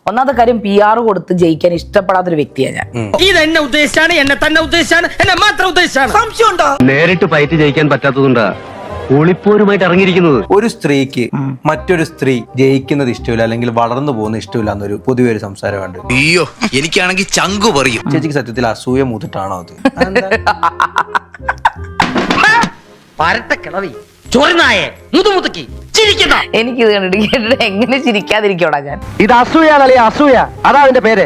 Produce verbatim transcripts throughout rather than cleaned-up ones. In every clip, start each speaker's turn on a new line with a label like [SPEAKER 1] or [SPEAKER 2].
[SPEAKER 1] ഒന്നാമത്തെ കാര്യം P R കൊടുത്ത് ജയിക്കാൻ ഇഷ്ടപ്പെടാത്തൊരു വ്യക്തിയാണ് ഞാൻ.
[SPEAKER 2] ഇത് എന്നെ ഉദ്ദേശിച്ചാണ്, എന്നെ തന്നെ ഉദ്ദേശിച്ചാണ്, എന്നെ മാത്രം ഉദ്ദേശിച്ചാണ്. സംശയമുണ്ടോ?
[SPEAKER 3] നേരിട്ട് ഫൈറ്റ് ജയിക്കാൻ പറ്റാത്തതുകൊണ്ടാ ഒളിപ്പോരുമായിട്ട് ഇറങ്ങിയിരിക്കുന്നത്.
[SPEAKER 4] ഒരു സ്ത്രീക്ക് മറ്റൊരു സ്ത്രീ ജയിക്കുന്നത് ഇഷ്ടമില്ല, അല്ലെങ്കിൽ വളർന്നു പോകുന്ന ഇഷ്ടമില്ല എന്നൊരു പൊതുവെ ഒരു സംസാരമുണ്ട്.
[SPEAKER 5] അയ്യോ, എനിക്കാണെങ്കിൽ ചങ്കു പറയും.
[SPEAKER 4] ചേച്ചിക്ക് സത്യത്തിൽ അസൂയ മൂത്തിട്ടാണോ അത്?
[SPEAKER 2] പരട്ട കിളവി ചൊറിനായെ മുതുമുതുക്കി ചിരിക്കുന്ന
[SPEAKER 1] എനിക്ക് ഇത് കണ്ടിട്ട് കേട്ടിട്ട് എങ്ങനെ ചിരിക്കാതിരിക്കോടാ ഞാൻ.
[SPEAKER 3] ഇത് അസൂയാണല്ലേ, അസൂയ. അതാ അതിന്റെ പേര്.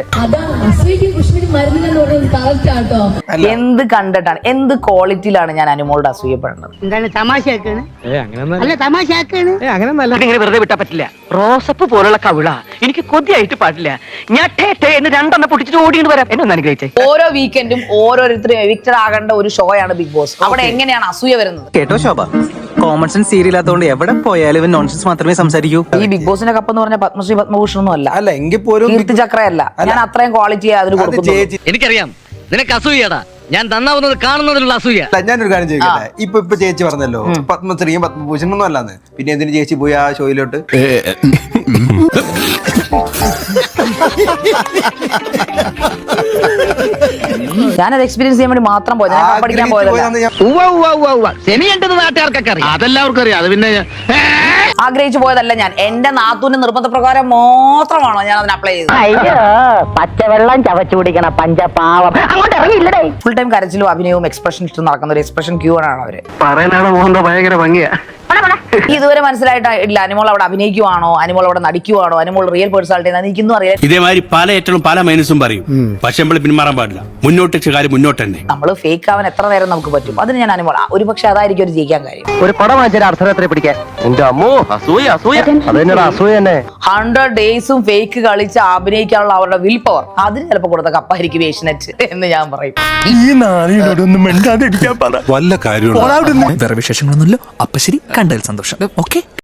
[SPEAKER 1] എന്ത് കണ്ടിട്ടാണ്, എന്ത് ക്വാളിറ്റിയിലാണ് ഞാൻ അനുമോളുടെ അസൂയപ്പെടുന്നത്?
[SPEAKER 6] എന്താണ് തമാശയാക്കാണ്? അല്ല തമാശയാക്കാണ്.
[SPEAKER 3] ഇങ്ങനെ വെറുതെ വിട്ടാ പറ്റില്ല. റോസപ്പ് പോലുള്ള കവിള എനിക്ക് കൊതിയായിട്ട് പാടില്ല. ഞാൻ ടേ ടേ എന്ന് രണ്ടെണ്ണം പൊട്ടിച്ചിട്ട് ഓടിയിട്ട് വരാം. എന്നെ ഒന്ന് അനുഗ്രഹിച്ചേ.
[SPEAKER 1] ഓരോ വീക്കെൻഡും ഓരോരുത്തരും എവിക്റ്റഡ് ആകേണ്ട ഒരു ഷോ ആണ് ബിഗ് ബോസ്. അവിടെ എങ്ങനെയാണ് അസൂയ വരുന്നത്?
[SPEAKER 7] കേട്ടോ ശോഭ, കോമൺ സെൻസ് സീരിയലാത്തോണ്ട് എവിടെ പോയാലും ഇവൻ നോൺസെൻസ് മാത്രമേ സംസാരിക്കൂ.
[SPEAKER 1] ഈ ബിഗ് ബോസിന്റെ കപ്പ് എന്ന് പറഞ്ഞ പത്മശ്രീ പത്മഭൂഷൺ ഒന്നും അല്ല,
[SPEAKER 4] അല്ല എങ്കിൽ പോലും
[SPEAKER 1] കീർത്തി ചക്രയല്ല. ഞാൻ അത്രയും ക്വാളിറ്റി അതിന് കൊടുക്കുന്നു.
[SPEAKER 2] എനിക്കറിയാം നിനക്ക് അസൂയടാ. ഞാൻ നന്നാവുന്നത് കാണുന്നതിലുള്ള അസൂയ.
[SPEAKER 4] ഞാനൊരു കാര്യം ചോദിക്കട്ടെ, ഇപ്പൊ ഇപ്പൊ ചേച്ചി പറഞ്ഞല്ലോ പത്മശ്രീയും പത്മഭൂഷണൊന്നും അല്ലാന്ന്, പിന്നെ എന്തിനു ചേച്ചി പോയി ആ ഷോയിലോട്ട്?
[SPEAKER 1] ഞാനത് എക്സ്പീരിയൻസ് ചെയ്യാൻ വേണ്ടി മാത്രം പോയത്, ഞാൻ പഠിക്കാൻ പോയതല്ല.
[SPEAKER 2] നാട്ടുകാർക്കൊക്കെ അറിയാം, അതെല്ലാവർക്കും അറിയാം. അത് പിന്നെ
[SPEAKER 1] ആഗ്രഹിച്ചു പോയതല്ല ഞാൻ. എന്റെ നാത്തൂന്റെ നിർബന്ധപ്രകാരം മാത്രമാണോ ഞാൻ അതിന് അപ്ലൈ ചെയ്തത്.
[SPEAKER 6] അയ്യോ, പച്ചവെള്ളം ചവച്ചു കുടിക്കണ പഞ്ചപാവം അങ്ങോട്ട് ഇറങ്ങിയില്ലടേ.
[SPEAKER 1] ഫുൾ ടൈം കരച്ചിലും അഭിനയവും എക്സ്പ്രഷൻ ഇഷ്ടം നടക്കുന്ന ഒരു എക്സ്പ്രഷൻ ക്യൂ ആണ് അവര്.
[SPEAKER 3] പറയാനാണ് മോഹൻ ഭയങ്കര ഭംഗിയാ.
[SPEAKER 1] ഇതുവരെ മനസ്സിലായിട്ടില്ല അനിമോൾ അവിടെ അഭിനയിക്കുവാണോ, അനിമോൾ അവിടെ നടിക്കുവാണോ, അനിമോൾ റിയൽ പേഴ്സണാലിറ്റി എനിക്കൊന്നും അറിയാം.
[SPEAKER 8] ഇതേമാതിരി പല ഏറ്റവും പല മൈനസും പറയും, പക്ഷെ നമ്മൾ പിന്മാറാൻ പാടില്ല. മുന്നോട്ട് കാര്യം മുന്നോട്ട് തന്നെ.
[SPEAKER 1] നമ്മള് ഫേക്ക് ആവാൻ എത്ര നേരം നമുക്ക് പറ്റും. അതിന് ഞാൻ അനിമോൾ ഒരു പക്ഷെ അതായിരിക്കും ഒരു ജയിക്കാൻ കാര്യം.
[SPEAKER 3] ഒരു പടം വാങ്ങിച്ചാൽ അർദ്ധരാത്രി പിടിക്കാൻ. എന്റെ അമ്മോ, അസൂയ അസൂയ. അത് തന്നെയാണ് അസൂയ തന്നെ.
[SPEAKER 1] ഹൺഡ്രഡ് ഡേയ്സും ഫേക്ക് കളിച്ച് അഭിനയിക്കാനുള്ള അവരുടെ വിൽ പവർ, അതിന് ചിലപ്പോൾ കൊടുത്ത കപ്പായിരിക്കും ഏഷ്യനെറ്റ് എന്ന് ഞാൻ പറയും.
[SPEAKER 8] ഈ നാളിനോടൊന്നും മിണ്ടാതിരിക്കാൻ പറ.
[SPEAKER 9] വല്ല കാര്യമുണ്ടോ?
[SPEAKER 7] വേറെ വിശേഷങ്ങളൊന്നുമില്ല. അപ്പൊ ശരി, കണ്ടതിൽ സന്തോഷം. ഓക്കെ.